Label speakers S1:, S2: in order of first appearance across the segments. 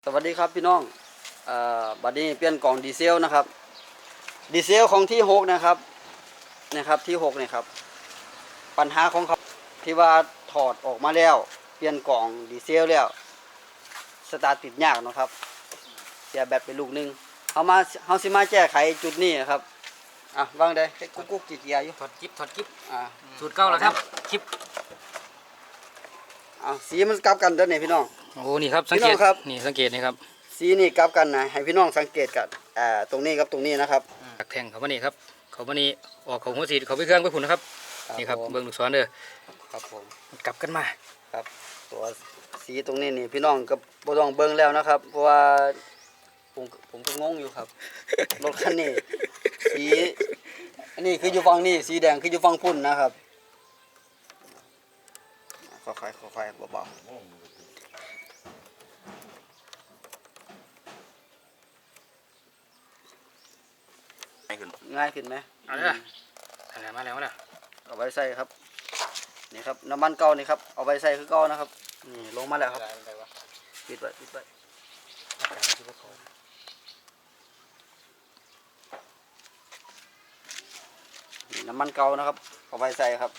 S1: สวัสดีครับพี่น้องบัดนี้เปลี่ยนกล่องดีเซลนะครับดีเซลของที่6นะครับที่6นี่ครับปัญหาของเขาที่ว่าถอดออกมาแล้วเปลี่ยนกล่องดีเซลแล้วสตาร์ทติดยากเนาะครับเสียแบตไปลูกนึงเฮาสิมาแก้ไขจุดนี้ครับวางได้กุ๊กกี่เกียร์อยู่
S2: ถอดกิ๊บสูตร
S1: สูตร
S2: เก่าแล้วครับคลิป
S1: สีมันกลับกันเด้อนี่พี่น้อง
S2: โอ้นี่ครับสังเกตนี่สังเกตนี่ครับ
S1: สีนี่กลับกันนะให้พี่น้องสังเกตกันตรงนี้กับตรงนี้นะครับ
S2: ตักแทงเขามานี่ครับเขามานี่ออกของหัวสีเขาไปเครื่องไปผุนนะครับนี่ครับเบิ้งลูกศรเด้อ
S1: ครับผม
S2: กลับกันมา
S1: ครับตัวสีตรงนี้นี่พี่น้องก็บ่ต้องเบิ่งแล้วนะครับเพราะว่าผมก็งงอยู่ครับ รถคันนี้สีอันนี้คืออยู่ฝั่งนี้สีแดงคืออยู่ฝั่งพุ่นนะครับค่อยๆเบาๆง่ายขึ้นไหม
S2: เอาเลยอะไรมาแล้ว
S1: เอาไว้ใส่ครับนี่ครับน้ำมันเก่านี่ครับเอาไว้ใส่คือเก่านะครับนี่ลงมาแล้วครับปิดไว้นี่น้ำมันเก่านะครับเอาไว้ใส่ครับ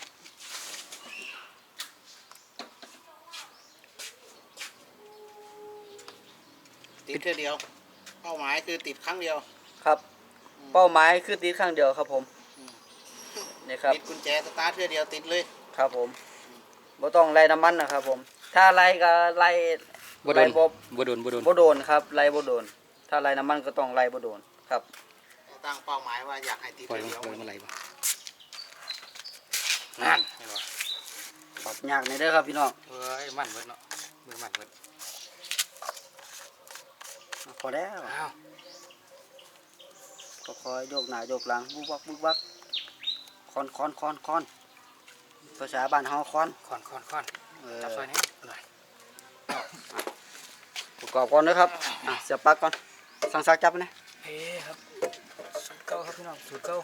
S3: ติดแค่เดียวเป้าหมายคือติดครั้งเดียว
S1: ครับเป้าหมายคือติดข้างเดียวครับผมนี่ครับ
S3: ติดกุญแจสตาร์ทแค่เดียวติดเลย
S1: ครับผมบ่ต้องไล่น้ำมันนะครับผมถ้าไล่ก็ไล่
S2: บ่โดน
S1: ครับไล่บ่โดนถ้าไล่น้ำมันก็ต้องไล่บ่โดนครับ
S3: ตั้งเป้าหมายว่าอยากให้ติดแค่เดียว
S2: มันไหลบ่
S1: นั่นปรับยากในเด้อครับพี่น้อง
S2: เฮ้ยมันเบิดเนาะมือมันเบิด
S1: พอแล้วก็คอยโยกหน้าโยกหลังบุกบักคอนภาษาบ้านเฮาคอน
S2: จับซอยนี้หน่อย
S1: ประกอบก่อนนะครับเสียบปลั๊กก่อนสั่งซักจับนะ
S2: เฮ้ครับสูตรเก่าครับพี่น้องสูตรเก่า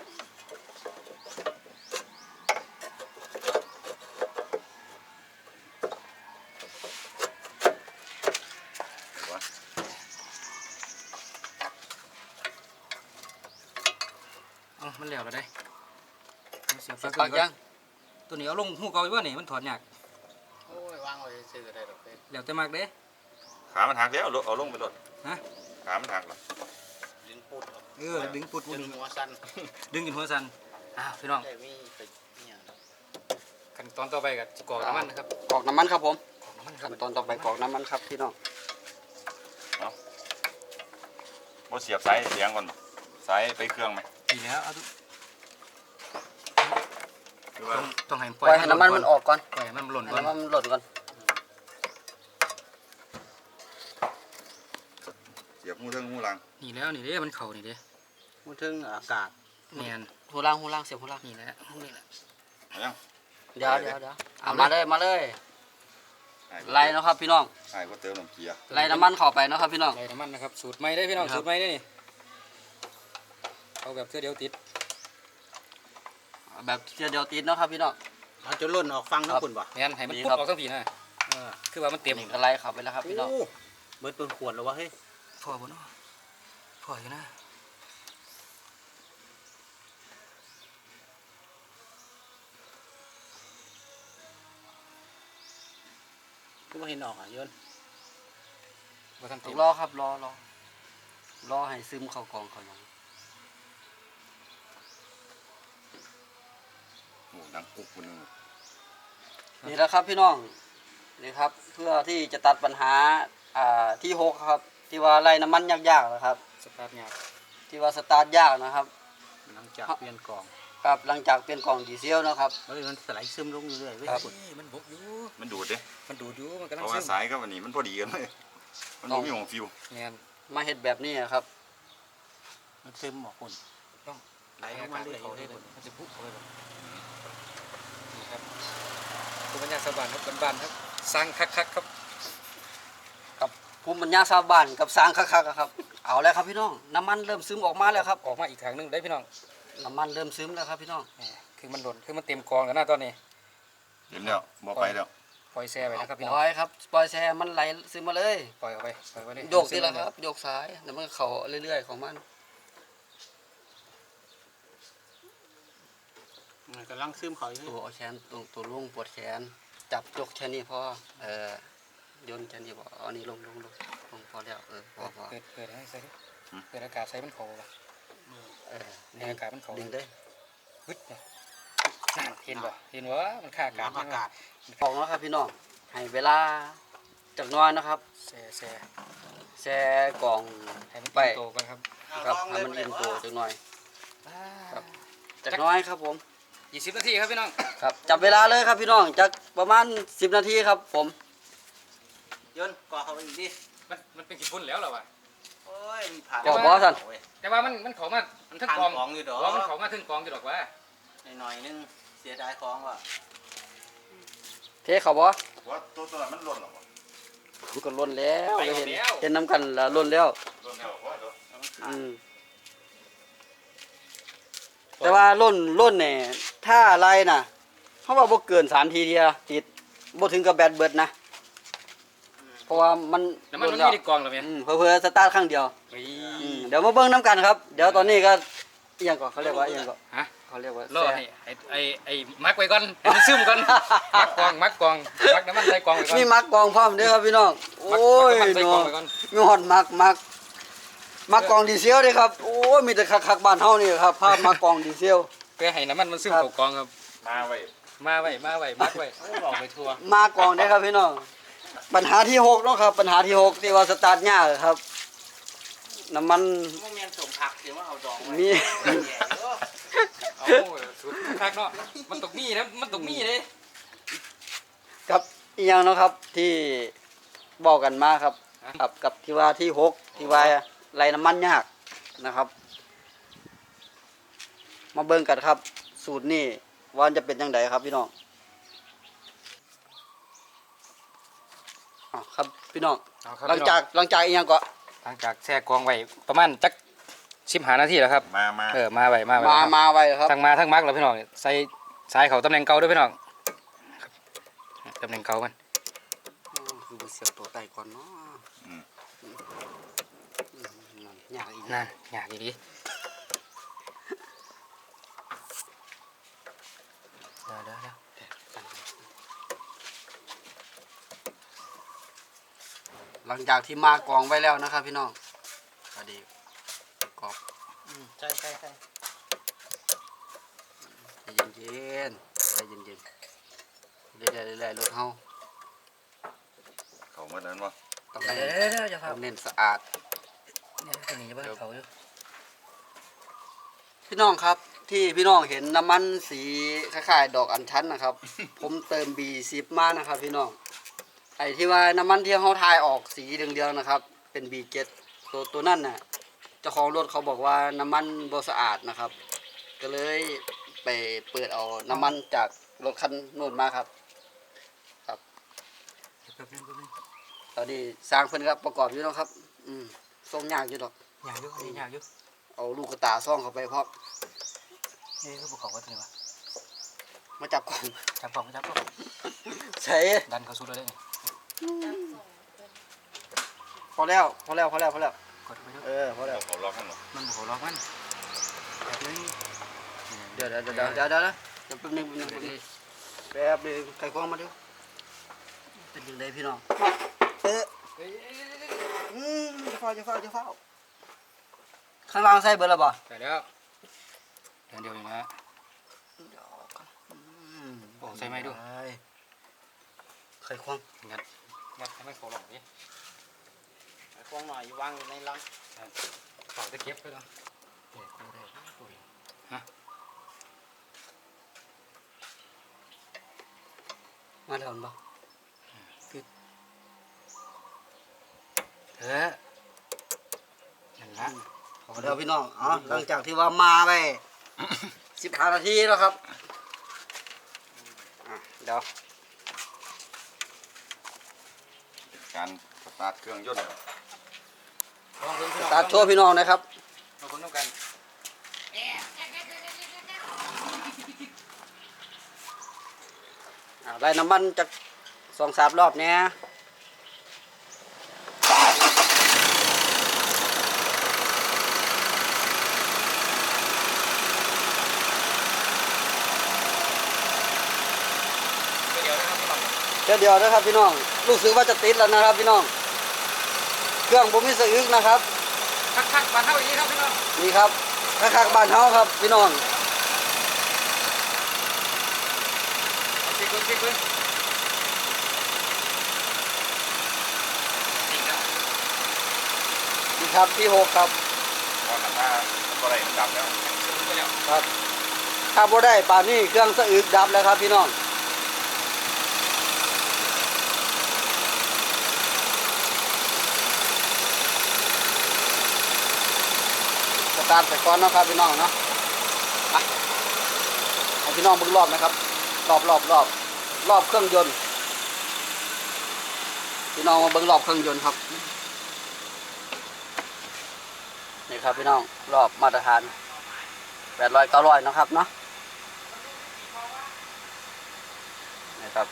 S2: มันเหลวแล้วได้
S1: เสียบปลั๊กยัง
S2: ตัวนี้เอาลงหูเก่าอยู่ว่านี่มันถอดยาก
S3: โอ้ยวางไว้ซื้อได้ดอกเด้
S2: เหลวแต่มากเด้
S4: ขามันหักแล้วเอาลงไปรถ
S2: ฮะ
S4: ขามันหักหรอ
S3: ดึงปุด
S2: ดึงปุด
S3: ดึงหัวสั่น
S2: ดึงกินหัวสั่นพี่น้องขั้นตอนต่อไปกับกรอกน้ำมันนะครับ
S1: กรอกน้ำมันครับผมขั้นตอนต่อไปกรอกน้ำมันครับพี่น้อง
S4: เสียบสายเสียงก่อนสายไปเครื่องไหม
S2: ดีแล้วต้องให้
S1: ปล่อยให้น้ำมันมันออกก่อน
S2: ปล่อยให้มันหล่นก่อน
S4: เสียบหูเทิงหูหลัง
S2: นี่แล้วนี่เด้มันเข่านี่เด้
S1: หูเทิงอากาศ
S2: แมน
S1: หูล่างเสียบหูล่าง
S2: นี่แหละ
S4: ยัง
S1: เดี๋ยวมาเลยไล่นะครับพี่น้อง
S4: ไอ้ก็เติมน้ำเกียร์
S1: ไล่น้ำมันเข้าไปนะครับพี่น้อง
S2: ไล่น้ำมันนะครับสูตรใหม่ได้พี่น้องสูตรใหม่ได้นี่เอาแบบเสื้อเดียวติด
S1: นะครับพี่น้อง
S3: เขาจะล่นออกฟังทั้งคนบ่
S2: แมนให้มันปุ๊บออกทั้งผีนะคือว่ามันเต็ม
S1: ก็ไล่เข้าไปแล้วครับพี่น้อง
S3: เบิดเป็นขวดแล้ววะเฮ้ย
S2: พอบ่เนาะพออยู่นะ
S3: ก็ไม่เห็นออกโยน
S1: รอครับรอให้ซึมเข้ากองเขาอย่าง
S4: ดังกุ๊กคนนึง
S1: นี่แหละครับพี่น้องนี่ครับเพื่อที่จะตัดปัญหาที่6ครับที่ว่าไล่น้ำมันยากๆนะครับ
S2: สตาร์ทยาก
S1: ที่ว่าสตาร์ทยากนะครับ
S3: หลังจากเปลี่ยนกล่อง
S1: ครับหลังจากเปลี่ยนกล่องดีเซลนะครับ
S3: มันสไลด์ซึมลงเรื่อยๆ
S2: ครับมันบกอยู่
S4: มันดูดดิ
S2: มันดูดอยู่มันกำลัง
S4: เพราะว่าสายก็วันนี้มันพอดีกันเลยมันไม่มีของฟิว
S1: มาเห็ดแบบนี้ครับ
S3: มันซึมหมดคน
S2: ต้องไหลออกมาเรื่อยๆมันจะพุ่งเข้าไปแบบนี่ครับภูมิปัญญาชาวบ้านครับบ้านครับสร้างคักครับ
S1: กับภูมิปัญญาชาวบ้านกับสร้างคักครับเอาแล้วครับพี่น้องน้ำมันเริ่มซึมออกมาแล้วครับ
S2: ออกมาอีกทางนึงได้พี่น้อง
S1: น้ำมันเริ่มซึมแล้วครับพี่น้อง
S2: คือมันหล่นคือมันเต็มกองแล้วนะตอนนี้
S4: เต็มแล้วบ่ไปแล้ว
S2: พอปล่อยแช่ไปนะครับพี่
S1: ป
S2: น้อง
S1: ล่อยครับปล่อยแช่มันไหลซึมมาเลย
S2: ปล่อยออกไปปล่อยไว้เลย
S1: โยกทีละครับโยกซ้ายแล้วมันก็เข้าเรื่อยๆของมัน
S3: มันกำลังซึมเขาอยู่
S1: ตัวเอาแขนตัวลุงปวดแขนจับยกแค่นี้พอโยนแค่นี้พอเอานี่ลงพอแล้วพอ
S2: เปิดให้ใส่ดิเปิดอากาศใส่มันเขาป่ะ ในอากาศมันเขา
S1: ดึงได้
S2: ฮึดเนี่ยนั่นเห็นบ่เห็นว่ามันค่าอากาศ
S3: น้ำอากาศ
S1: ออกแล้วครับพี่น้องให้เวลาจากหน้อยนะครับ
S2: แช่แช่
S1: แช่กล่อง
S2: ให้มัน
S1: ไป
S2: โตกันครับ
S1: ครับให้มันอิ่มตัวจากหน้อยครับจากหน้อยครับผม
S2: 20 นาทีครับพี่น้อง
S1: ครับจับเวลาเลยครับพี่น้องจากประมาณ10 นาทีครับผม
S3: ยนก่อเขาไปอีกดิ
S2: มันเป็นกี่พุ่นแล้วเหรอวะ
S3: โอ้ยมีผ่าน
S1: ก่อบอสัน
S2: แต่ว่ามันเขามามันทั้งกอง
S3: ของอยู่ดอก
S2: ว่ามันเขามาทั้งกองอยู่ดอกว่า
S3: หน่อยนึงเสียดายของว่ะ
S1: เทเขาบอ
S4: ว่าตัวนั้นมันหล่นหรอวะ
S1: มันก็ล้นแล้วเห็นน้ำกันแล้วล้นแล้ว
S4: หล่นแล้วว่าเดี๋ยว
S1: อืมแต่ว่าล้นเนี่ยถ้าอะไรน่ะเขาว่าบ่เกิน3 ทีเดียวติดบ่ถึงกับแบตเบิดนะเพราะว่ามัน
S2: แล้วมัน
S1: ล้
S2: ไม่
S1: แล้ว
S2: ได้กองหรอเนี่ย
S1: เพื่อสตาร์ทครั้งเดียวเดี๋ยวมาเบิ่งน้ำกันครับ เดี๋ยวตอนนี้ก็อิหยังก่อนเขาเรียกว่าอิหยังก่อน
S2: ฮะ
S1: เขาเรียกว่าร
S2: อ
S1: แซ่
S2: ให้มักไว้ก่อนให้มันซึมก่อนมักกองมักน้ำมันใส่กองไว้ก่อน
S1: มีมักกองพร้อมเด้อครับพี่น้องโอ้ย
S2: มักน้ำมันใส่กอง
S1: เนาะ
S2: ไว้ก่อน
S1: มีฮอดมักกองดีเซลเด้ครับโอ้ยมีแต่คักๆบ้านเฮานี่ครับภาพมักกองดีเซล
S2: เพื่อให้น้ำมันซึม
S1: ครับ
S2: เข้ากองครับ
S4: มาไว้
S2: มาไว้มักไว้หลอกไปทัวร์
S1: มากองได้ครับพี่น้องปัญหาที่6เนาะครับปัญหาที่6ที่ว่าสตาร์ทยากครับน้ำมัน
S3: มันมีสมผักเดี๋ยวว่าเอาดองไว้
S1: มี
S2: เอาสุดคักเนาะมันตกมีนะมันตกมีเลย
S1: ครับอีกอย่างเนาะครับที่บอกกันมาครับกับที่ว่าที่6ที่ว่าไหลน้ำมันยากนะครับ มาเบิ่งกันครับ สูตรนี้ว่าจะเป็นยังไงครับพี่น้องอ้าวครับพี่น้อง
S2: เอาครับ
S1: หลังจากอีกอย่างก็
S2: หลังจากแช่กองไว้ประมาณจัก15 นาทีแล้วครับ
S4: มา
S2: มาไว้
S1: มาไว้ครับ
S2: ทั้งมาทั้งมักแล้วพี่น้องใส่สายเขาตำแหน่งเก่าด้วยพี่น้องครับตำแหน่งเก่ามัน
S1: คือบ่เสียบตัวไก่ก่อนเนาะยากอีก
S2: นั่นอยากอีดีเดี๋ยว
S1: หลังจากที่มากองไว้แล้วนะครับพี่น้องก็ดีประกอบ
S3: ใช่
S1: ใจเย็นๆใจเย็นๆเรื่อยๆรถเฮา
S4: เขาเมื่อนั้นวะ
S1: ต้อง
S2: เดี๋
S1: เน้น
S2: ยวจะ
S1: ต้องเน้นสะอาด
S2: เนี่ยหนีบ้านเขาอยู่
S1: พี่น้องครับที่พี่น้องเห็นน้ำมันสีคล้ายๆดอกอัญชันนะครับ ผมเติม B10 มานะครับพี่น้องไอ้ที่ว่าน้ำมันที่เขาทายออกสีเหลืองๆนะครับ เป็น B7 ตัวนั่นน่ะเจ้าของรถเขาบอกว่าน้ำมันบ่สะอาดนะครับ ก็เลยไปเปิดเอาน้ำมันจากรถคันนู้นมาครับ
S2: แป๊บนึง
S1: ตอนนี้สร้างเพิ่นครับประกอบอยู่เนาะครับส่งยากอยู่ดอก
S2: อยากอยู่
S1: เอาลูกกระตาซ่องเข้าไปพร้อม
S2: นี่คือภูเขาก็ตัวนี้วะ
S1: มาจับกล่อง
S2: จับกอง
S1: ใช้
S2: ดันเขาสุดเลยนี่
S1: พอแล้ว
S2: กดไปด้วย
S1: พอแล้ว
S4: เขาล็อกมันหรอ
S2: มันภูเขาล็อกมันแบบนี้
S1: เดี๋ยวแป๊บนึงแป๊บนึงไข่ควงมาดูเป็นยังไงพี่น้องจะเฝ้าข้างล่างใส่เบอร์ละบ่
S2: แต่แล้วเดี๋ยวอยู่นะโอ้ใส่ไม้ดู
S1: ไข่ควง
S2: งัดให้มันเขาหลอกนี่
S3: ควงหน่อยวางอยู่ในรัง
S2: เขาจะเก็บไปแล้วฮะ
S1: มาเถอะบ่
S2: นั่นละ
S1: เดี๋ยวพี่น้องหลังจากที่ว่ามาไป15 นาทีแล้วครับเดี๋ยว
S4: การสตาร์ทเครื่องยนต์
S1: ตัดโชว์พี่น้องนะครับ
S2: เราคนต้องการ
S1: ได้น้ำมันจาก 2-3 รอบเนี้ยเดี๋ยวนะครับพี่น้องรู้สึกว่าจะติดแล้วนะครับพี่น้องเครื่องผมมีสะอึกนะครับ
S2: คักๆบานเท่าอย่างนี้ครับพี่น้อง
S1: นี่ครับคักๆบ้านเฮาครับพี่น้อง
S2: เช็คเบิ้งจริงแล้ว
S1: นี่ครับที่6ครับ
S4: พอกันถ้าก็ได้ดับแล้ว
S2: ซื้อไปแล้ว
S1: ครับถ้าบ่ได้ป่านนี้เครื่องสะอึกดับแล้วครับพี่น้องสตาร์ทไปก่อนเนาะครับพี่น้องเนาะอ่ะให้พี่น้องเบิ่งรอบนะครับรอบเครื่องยนต์พี่น้องมาเบิ่งรอบเครื่องยนต์ครับนี่ครับพี่น้องรอบมาตรฐาน800-900นะครับเนาะนี่ครับ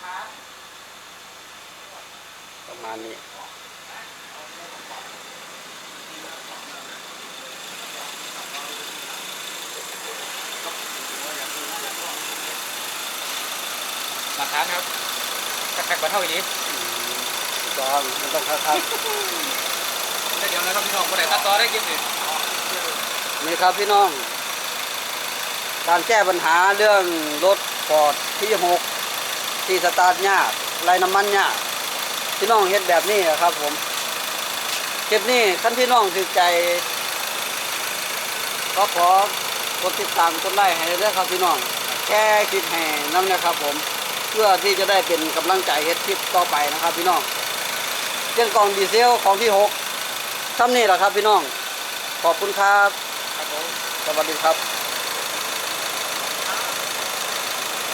S1: ประมาณนี้
S2: หลักฐานครับคักๆบานเท่าอย่างนี้
S1: ถูกต้องมันต้องครับ
S2: เดี๋ยวนะครับพี่น้องคนไหนตัดต่อได้กินสิ
S1: นี่ครับพี่น้อง การแก้ปัญหาเรื่องรถฟอร์ดที่6ที่สตาร์ทยากไล่น้ำมันยากพี่น้องเฮ็ดแบบนี้ครับผมคลิปนี้ท่านพี่น้องถือใจก็ขอกดติดตามกดไลค์ให้ด้วยครับพี่น้องแค่คิดให้น้ำนะครับผมเพื่อที่จะได้เป็นกำลังใจเฮ็ดคลิปต่อไปนะครับพี่น้องเครื่องกรองดีเซลของที่6ทำนี่แหละครับพี่น้องขอบคุณครับ
S2: ครับผม
S1: สวัสดีครับ
S2: ค